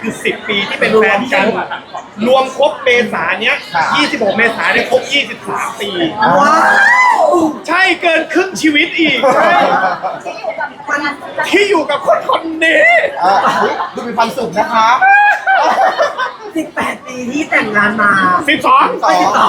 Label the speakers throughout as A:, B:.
A: คือ10 ปีที่เป็นแฟนกันรวมครบเมษาเนี้ย26 เมษาเนี่ยครบ23 ปี
B: ว้าว
A: ใช่เกินครึ่งชีวิตอีกใช่ที่อยู่กับคนคนนี้
C: ดูมีความสุขนะคะ
B: 18 ปีที่แต่งงานมา
A: 12
B: ไม่12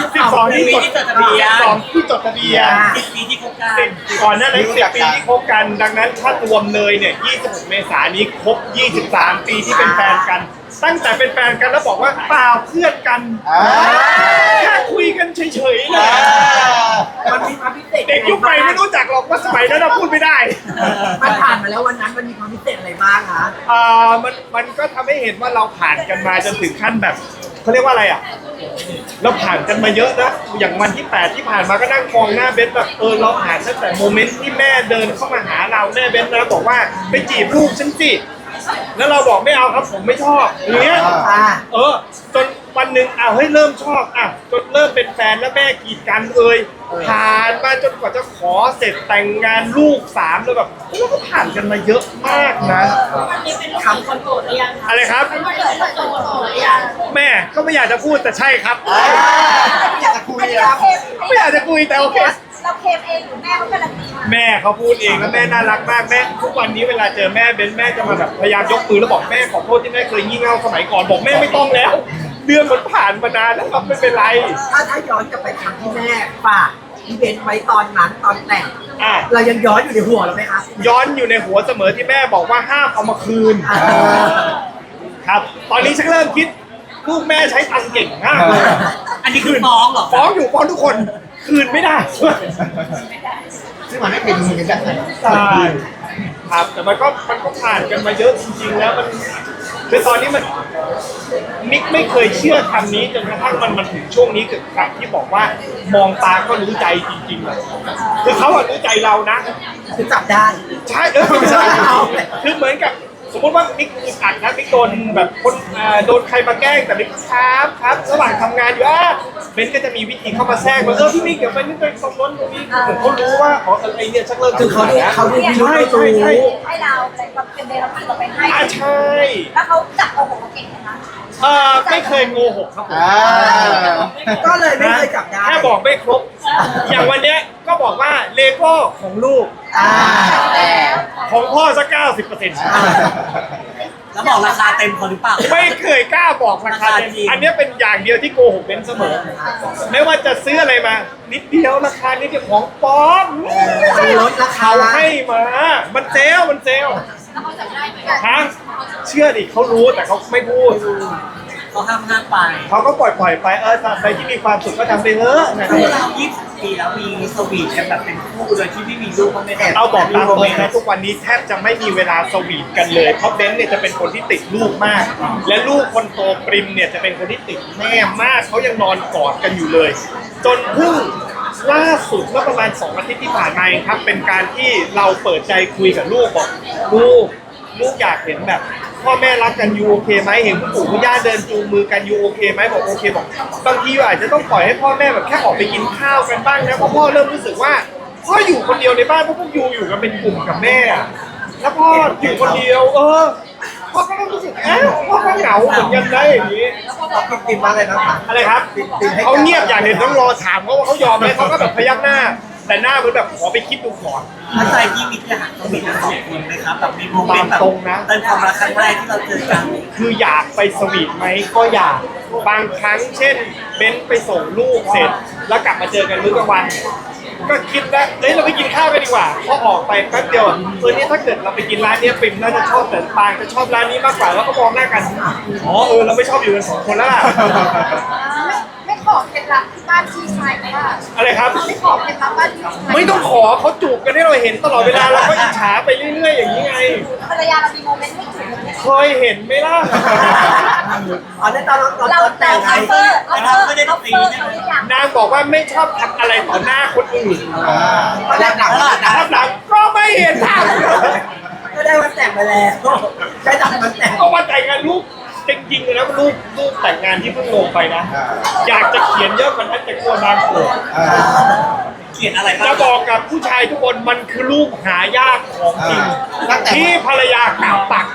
A: 12ที่จดทะเบียน12ที่จดทะเบียน
D: 10 ปีที่คบกัน
A: ก่อนหน้านั้น10 ปีที่คบกันดังนั้นถ้ารวมเลยเนี่ย26 เมษายนนี้ครบ23 ปีที่เป็นแฟนกัน ตั้งแต่เป็นแฟนกันแล้วบอกว่าเปล่าเพื่อนกันแค่คุยกันเฉยๆนะ
B: มันมีความพิเศษ
A: เด็กยุคใหม่ไม่รู้จักหรอกว่าสมัยนั้นเราพูดไม่ได้
B: มันผ่านมาแล้ววันนั้นมันมีความพิเศษอะไรบ้างคะ
A: มันก็ทำให้เห็นว่าเราผ่านกันมาจนถึงขั้นแบบเขาเรียกว่าอะไรอ่ะเราผ่านกันมาเยอะนะอย่างวันที่8ที่ผ่านมาก็นั่งมองหน้าเบนแบบเราผ่านตั้งแต่โมเมนต์ที่แม่เดินเข้ามาหาเราแม่เบนนะบอกว่าไปจีบลูกฉันสิแล้วเราบอกไม่เอาครับผมไม่ชอบอย่างเงี้ยจนวันหนึ่งเฮ้ยเริ่มชอบจนเริ่มเป็นแฟนแล้วแม่กีดกันผ่านมาจนกว่าจะขอเสร็จแต่งงานลูก3แล้วแบบเราก็ผ่านกันมาเยอะมากนะ
D: คำคนโกรธหรือยัง
A: อะไรครับแม่ก็ไม่อยากจะพูดแต่ใช่ครับ
C: อยากจะคุยอะ
A: ไม่อยากจะคุยแต่โอเค
E: เราเคมเองหรือแม่เขาการันตีมา
A: แม่เขาพูดเองแล้วแม่น่ารักมากแม่ทุกวันนี้เวลาเจอแม่เบนแม่จะมาแบบพยายามยกมือแล้วบอกแม่ขอโทษที่แม่เคยงี่เง่าสมัยก่อนบอกแม่ไม่ต้องแล้วเรื่องมันผ่านมานานแล้วครับไม่เป็นไร
B: ถ้าย้อนกลับไปครั้งที่แม่ฝากอีเวนต์ไว้ตอนนั้นตอนแต่ง
A: อ่ะ
B: เรายังย้อนอยู่ในหัวเราไหมคะ
A: ย้อนอยู่ในหัวเสมอที่แม่บอกว่าห้ามเอามาคืนครับตอนนี้ฉันเริ่มคิดลูกแม่ใช้ตังค์เก่งมากเลย
D: อันนี้คือฟ้องเหรอ
A: ฟ้องอยู่ฟ้องทุกคนคืนไม่ได้
C: ซึ่งมันไม่เป็นมือเป็นแบบไหน
A: ใช่ครับแต่มันก็ผ่านกันมาเยอะจริงๆแล้วมันคือตอนนี้มันมิกไม่เคยเชื่อคำนี้จนกระทั่งมันถึงช่วงนี้กับคำที่บอกว่ามองตาก็รู้ใจจริงๆอะคือเขาอะรู้ใจเรานะ
B: คือจับได้
A: ใช่ไม่ใช่คือเหมือนกับสมมติว่ามิกอึดอัดนะมิกโดนแบบคนโดนใครมาแกล้งแต่มิกครับระหว่างทำงานอยู่เบนก็จะมีวิธีเข้ามาแทรกว่าพี่มิกเดี๋ยวไปนี่ไปตรงนั้นตรงนี้เหมือนเขารู้ว่าไอเนี่ยชักเริ่ม
B: คือเขาดู
A: นะ
B: เขาดูพิรุธ
A: ใช่
E: ให้เราอะไรก็เป็นเดรัจฉีเราไปให้
A: ใช่
E: แล้วเขาจับโกหกเราเก่งนะคะ
A: ไม่เคยโกหกครับผม
B: ก็เลยไม่เคยจับได้
A: แค่บอกไม่ครบ อย่างวันเนี้ยก็บอกว่าเลโก้ของลูก ของพ่อสัก90%
D: แล้วบอกราคาเต็มพอหรือเปล่า
A: ไม่เคยกล้าบอกราคาเต็ม
D: ราคาจริง
A: อันเนี้ยเป็นอย่างเดียวที่โกหกเป็นเสมอ ไม่ว่าจะซื้ออะไรมา นิดเดียวราคานิดเดียวของปลอม
B: มันลดราคา
A: เขาให้มา มันเซลล์
E: แล้วเขาจับได้ไหม
A: ฮะเชื่อดิเขารู้แต่เขาไม่พูด
D: เขาห้ามไป
A: เขาก็ปล่อยไปตามใครที่มีความสุขก็ทำไปเถอะนะค
D: คือ
A: รับ
D: เรา20 ปีแล้วมีสวีทกันแบบเป็นคู่โดยที่ไม่มีลูกก็ไม่ได้
A: เอาบอกตามตรงนะทุกวันนี้แทบจะไม่มีเวลาสวีทกันเลยเพราะเบนซ์เนี่ยจะเป็นคนที่ติดลูกมาก และลูกคนโตปริมเนี่ยจะเป็นคนที่ติดแม่มากเขายังนอนกอดกันอยู่เลย จนเพิ่งล่าสุดเมื่อประมาณ2 อาทิตย์ที่ผ่านมาเองครับเป็นการที่เราเปิดใจคุยกับลูกบอกลูกอยากเห็นแบบพ่อแม่รักกันยูโอเคไหมเห็นคุณปู่คุณย่าเดินจูงมือกันยูโอเคไหมบอกโอเคบอกบางทีอาจจะต้องปล่อยให้พ่อแม่แบบแค่ออกไปกินข้าวกันบ้างนะเพราะพ่อเริ่มรู้สึกว่าพ่ออยู่คนเดียวในบ้านเพราะพวกยูอยู่กันเป็นกลุ่มกับแม่อะแล้วพ่ออยู่คนเดียวพ่อก็ต้องรู้สึกพ่อก็เหงาเหมือนกันได้อย่างนี้
B: ติดมาเลยนะคะ
A: อะไรครับเขาเงียบอย่างเห็นต้องรอถามเขาว่าเขายอมไหมเขาก็แบบพยักหน้า แต่หน้าเหมือนแบบขอไปคิดดูก่อน
D: เข้าใจพี่มิกจะหาสวีทกัน2 คนไหมครับแบบมีโมเมนต์แบบ
A: ตรงนะ
D: เป็นความรักครั้งแรกที่เราเจอกัน
A: คืออยากไปสวีทไหมก็อยากบางครั้งเช่นเบนไปส่งลูกเสร็จ แล้วกลับมาเจอกันมื้อกลางวัน ก็คิดว่าเราไปกินข้าวกันดีกว่าพอออกไปแป๊บเดียวนี่ถ้าเกิดเราไปกินร้านนี้ปิ่มน่าจะชอบแต่ปางจะชอบร้านนี้มากกว่าแล้วก็มองหน้ากันเราไม่ชอบอยู่กัน2 คนแล้วล่ะ
E: ไม่ขอเคล็ดลับที่บ้านพี่ชายไหมล่ะ
A: อะไรครับ
E: ไม่ขอเคล็ดลับบ้านพี่ชาย
A: ไม่ต้องขอเขาจูบกันให้เราเห็นตลอดเวลาเราก็อิจฉาไปเรื่อยๆอย่างนี้ไง
E: ภรรยาเรามีโมเมนต์ไม่ถูกเลย
A: เคยเห็นไหมล่ะ
B: ในตอน
E: เรา
B: แต่งไง
E: เฟอร์ทุกอย่าง
A: นางบอกว่าไม่ชอบทำอะไรต่อหน้าคนอื่น
B: ตอนแรกหนัก
A: ภาพหลังก็ไม่เห็นทำ
B: ก็ได้วันแต่งไปแล้วใช้ตัดวันแต่ง
A: ก็ว่าแต่งงานลูกจริงๆเลยนะลูกแต่งงานที่เพิ่งลงไปนะ อยากจะเขียนเยอะกว่านั้นแต่กลัวนางโกรธ
D: เขียนอะไรบ้า
A: จะ
D: ง
A: บอกกับผู้ชายทุกคนมันคือลูกหายากของจริง
C: ตั้งแต่
A: ที่ภรรยากล่าวตัก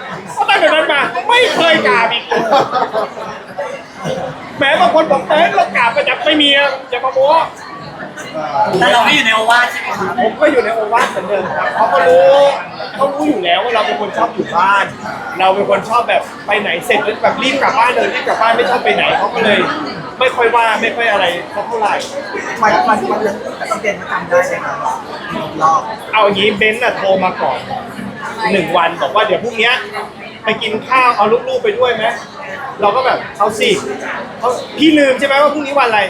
A: ก็ตั้งแต่นั้นมาไม่เคยกราบอีกแหมบางคนบอกเต้นเรากราบประจำไม่มีอะอย่ามาโม้
D: แต่เราไม่อยู่ในโอวาทใช่ไหมครับ
A: ผมก็อยู่ในโอวาทเหมือนเดิมครับเขารู้อยู่แล้วว่าเราเป็นคนชอบอยู่บ้าน เราเป็นคนชอบแบบไปไหนเสร็จแล้วแบบรีบกลับบ้านเลยรีบกลับบ้านไม่ชอบไปไหนเขาก็เลย ไม่ค่อยว่าไม่ค่อยอะไรสักเท่าไหร่
B: วันนั้นต้องเรียนมาจำได้เลยครับรอบ
A: เอาอย่างนี้เบนซ์น่ะโทรมาก่อน1 วันบอกว่าเดี๋ยวพรุ่งนี้ไปกินข้าวเอาลูกๆไปด้วยไหมเราก็แบบเอาสิพี่ลืมใช่ไหมว่าพรุ่งนี้วันอะไร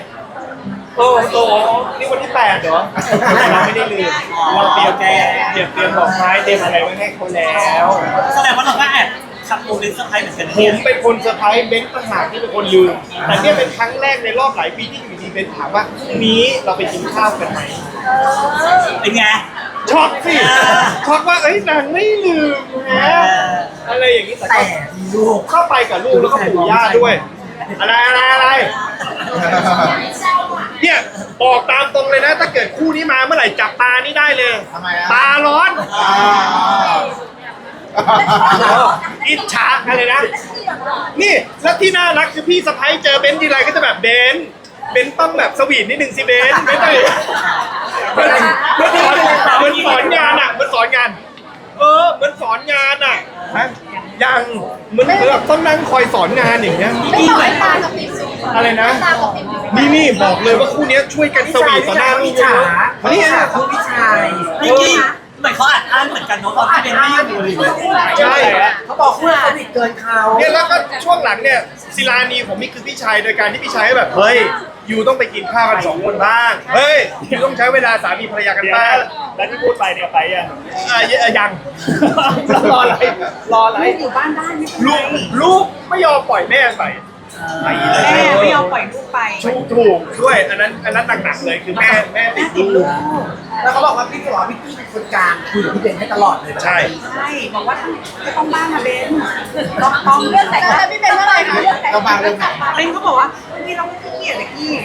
A: นี่วันที่8เหรอเราไม่ได้ลืมเราเตรียมดอกไม้เตรียมอะไรไว้ให้เขาแล้ว
D: แสดงว่าเราก็แอบขับโมเดลเซอร์ไพรส์เหมือนกัน
A: ผ
D: เนี่ย
A: มเป็นคนเซอร์ไพรส์เบนซ์ต่างหากที่เป็นคนลืมแต่เนี่ยเป็นครั้งแรกในรอบหลายปีที่อยู่ดีเบนซ์ถามว่าพรุ่งนี้เราไปกินข้าวกันไหม
D: เป็นไง
A: ช็อกสิช็อกว่าเอ้ยนางไม่ลืมนะอะไรอย่างนี้แต่
B: แต่
A: ก็
B: มีลูก
A: เข้าไปกับลูกแล้วก็ปู่ย่าด้วย อะไรเนี่ยบอกตามตรงเลยนะ ถ้าเกิดคู่นี้มาเมื่อไหร่จับตานี่ได้เลย
C: ทำไมอะ
A: ตาร้อน
C: อ่า
A: อิจฉาอะไรนะ นี่แล้วที่น่ารักคือพี่สะพ้ายเจอเบนซ์ทีไรก็จะแบบเบนซ์ต้องแบบสวีทนิดนึงสิเบนซ์ไม่ต้องมันสอนงานอ่ะมันสอนงานมันสอนงานอ่ะยังเหมือนแบบต้องนั่งคอยสอนงานอย่างเงี้ย
E: ไม่ต่อยตากับปิ่ม
A: อะไรนะ
E: ตากับปิ่ม
A: นี่บอกเลยว่าคู่เนี้ยช่วยกันสวีทต่อหน้าลูก
B: ฉา
A: นี่
B: คุณพี่ชาย
D: นิกกี้เหมือนเขาอัดอั้นเหมือนกันเนาะตอนที่เป็นไม่อยู่เลย
A: ใช่
B: เขาบอกว่าเขาผิดเกินเขา
A: เนี่ยแล้วก็ช่วงหลังเนี่ยศิลานีผมนี่คือพี่ชายโดยการที่พี่ชายแบบเฮ้ยยูต้องไปกินข้าวกัน2 คนบ้างเฮ้ยยูต้องใช้เวลาสามีภรรยากันบ้างแล้วที่พูดไปเนี่ยไปยังรออะไร
E: อยู่บ้านได้ไม่
A: ลูกไม่ยอมปล่อยแม่ไปไปเลย
E: แม่ไม่ยอมปล่อยลูกไป
A: ถูกด้วยอันนั้นหนักๆเลยคือแม่ติดลูก
B: แล้วเขาบอกว่าพี่บอกว่าพี่เป็นคนกลางคุยกับพี่เบนให้ตลอดเลย
A: ใช่
E: ใช่บอกว่าไม่ต้องบ้างนะเบนต้องเลือกแต่งงานพี่เบนเมื่อไหร่คะ
C: เราบางเรื่องไหน
E: เบนเขาบอกว่าพี่เราไม่ขี้เกียจเลยกี้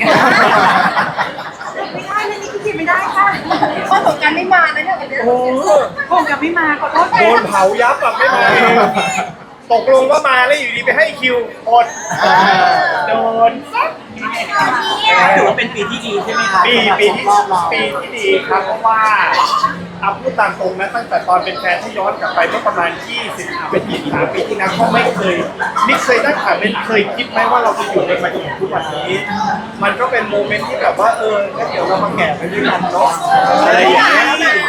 E: ไม่ได้เรื่องนี้ขี้เกียจไม่ได้ค่ะข้อถกกันไม่มานะเนี่ยวันนี้
A: โอ้
E: คงจะไม่มาขอโทษ
A: โดนเผายับแบบไม่มาตกลงว่ามาแล้วอยู่ดีไปให้คิวอดโดน
D: ถือว่าเป็นปีที่ดีใช่ไหมครับ
A: ปีที่ดีครับเพราะว่าเอาพูดตามตรงนะตั้งแต่ตอนเป็นแฟนที่ย้อนกลับไปเมื่อประมาณ20เป็น23 ปีที่แล้วก็ไม่เคยตั้งแต่ไม่เคยคิดไหมว่าเราจะอยู่ในมาจนถึงทุกวันนี้ มันก็เป็นโมเมนต์ที่แบบว่าแล้วเดี๋ยวเรามาแก่ไปด้วยกันเนาะอะไรอย่างเงี้ย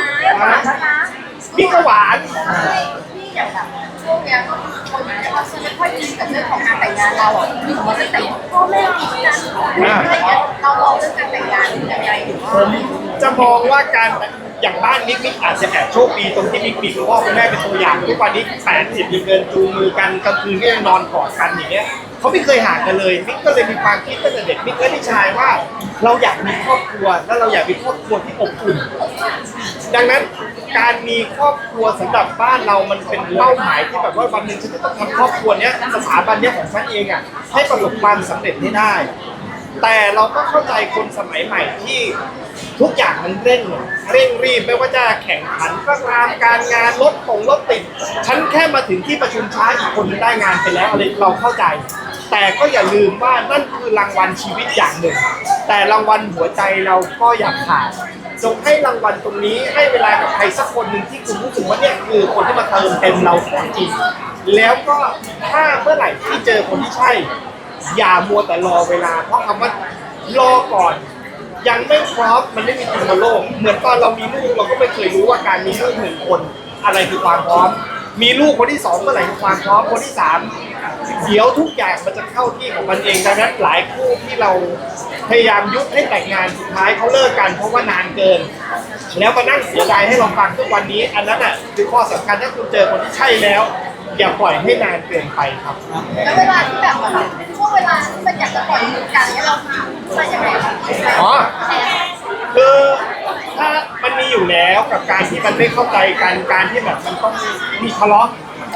A: นี่ก็หวาน
E: พี่อย่างแบบช่วงเนี้ยคนเขาจะไม่ค่อยอินกับเรื่องของการแต่งงานเราอ่ะมีของจะแต่งพ่อแม่มีกันอะไรเงี้ยเรามองเรื่องการแต่งงานยังไงอยู่
A: ผมจะมองว่าการอย่างบ้านมิกอาจจะแอบโชคดีตรงที่มิกมีคุณพ่อคุณแม่เป็นตัวอย่างทุกวันนี้80ยังเดินจูงมือกันกลางคืนก็ยังนอนกอดกันอย่างเงี้ยเขาไม่เคยห่างกันเลยมิกก็เลยมีความคิดตั้งแต่เด็กมิกและพี่ชายว่าเราอยากมีครอบครัวแล้วเราอยากมีครอบครัวที่อบอุ่นดังนั้นการมีครอบครัวสำหรับบ้านเรามันเป็นเป้าหมายที่แบบว่าวันหนึ่งฉันจะต้องทำครอบครัวเนี้ยสถาบันเนี้ยของฉันเองอ่ะให้ประสบความสำเร็จให้ได้ แต่เราก็เข้าใจคนสมัยใหม่ที่ทุกอย่างมันเร่งรีบไม่ว่าจะแข่งขันก็ตามการงานรถติดฉันแค่มาถึงที่ประชุมช้าอีกคนนึงได้งานไปแล้วอะไรเราเข้าใจ แต่ก็อย่าลืมว่านั่นคือรางวัลชีวิตอย่างหนึ่ง แต่รางวัลหัวใจเราก็อย่าขาดจงให้รางวัลตรงนี้ให้เวลากับใครสักคนหนึ่งที่คุณรู้สึกว่าเนี่ยคือคนที่มาเติมเต็มเราของจริงแล้วก็ถ้าเมื่อไหร่ที่เจอคนที่ใช่อย่ามัวแต่รอเวลาเพราะคำว่ารอก่อนยังไม่พร้อมมันไม่มีจริงบนโลกเหมือนตอนเรามีลูกเราก็ไม่เคยรู้ว่าการมีลูก1 คนอะไรคือความพร้อมมีลูกคนที่2เมื่อไหร่คือความพร้อมคนที่3เดี๋ยวทุกอย่างมันจะเข้าที่ของมันเองดังนั้นหลายคู่ที่เราพยายามยุให้แต่งงานสุดท้ายเขาเลิกกันเพราะว่านานเกินแล้วมานั่งเสียดายให้เราฟังทุกวันนี้อันนั้นอ่ะคือข้อสำคัญถ้าคุณเจอคนที่ใช่แล้วอย่าปล่อยให้นานเกินไปครับ
E: แล้วเวลาที่แบบช่วงเวลาที่มันอยากจะปล่อยมือกันเนี่ยเราทำยังไงคะ
A: อ๋อคือถ้ามันมีอยู่แล้วกับการที่มันไม่เข้าใจกันการที่แบบมันต้องมีทะเลาะ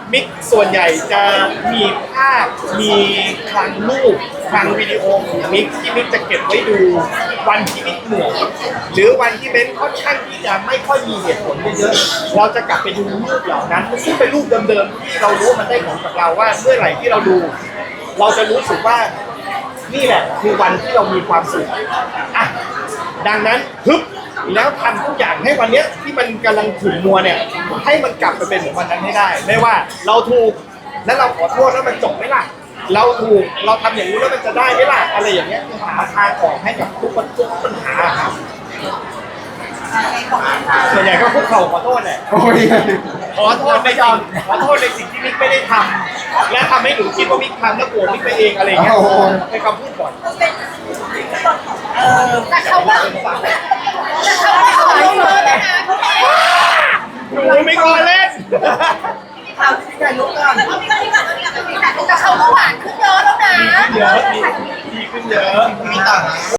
A: มิกส่วนใหญ่จะมีภาพมีคลังรูปคลังวิดีโอของมิกที่มิกจะเก็บไว้ดูวันที่มิกเหนื่อยหรือวันที่เบนค่อนข้างที่จะไม่ค่อยมีเหตุผลเยอะๆเราจะกลับไปดูรูปเหล่านั้นซึ่งเป็นรูปเดิมๆที่เรารู้ว่ามันได้ผลกับเราว่าเมื่อไหร่ที่เราดู เราจะรู้สึกว่านี่แหละคือวันที่เรามีความสุขอ่ะดังนั้นฮึบแล้วทำทุกอย่างให้วันเนี้ยที่มันกำลังขุ่นมัวเนี่ยให้มันกลับไปเป็นเหมือนวันนั้นให้ได้ไม่ว่าเราถูกแล้วเราขอโทษแล้วมันจบไหมล่ะเราถูกเราทำอย่างนี้แล้วมันจะได้ไหมล่ะอะไรอย่างเงี้ยคือหาทางออกให้กับทุกปัญหาครับส่วนใหญ่ก็คุกเข่าขอโทษแหละ
C: โอ้ย
A: ขอโทษในสิ่งที่มิกไม่ได้ทำและทำให้หนูคิดว่ามิกทำแล้วโกรธมิกไปเองอะไรอย่างเงี้ยเป็นคำพูดก่อน
E: แต่เขาว่า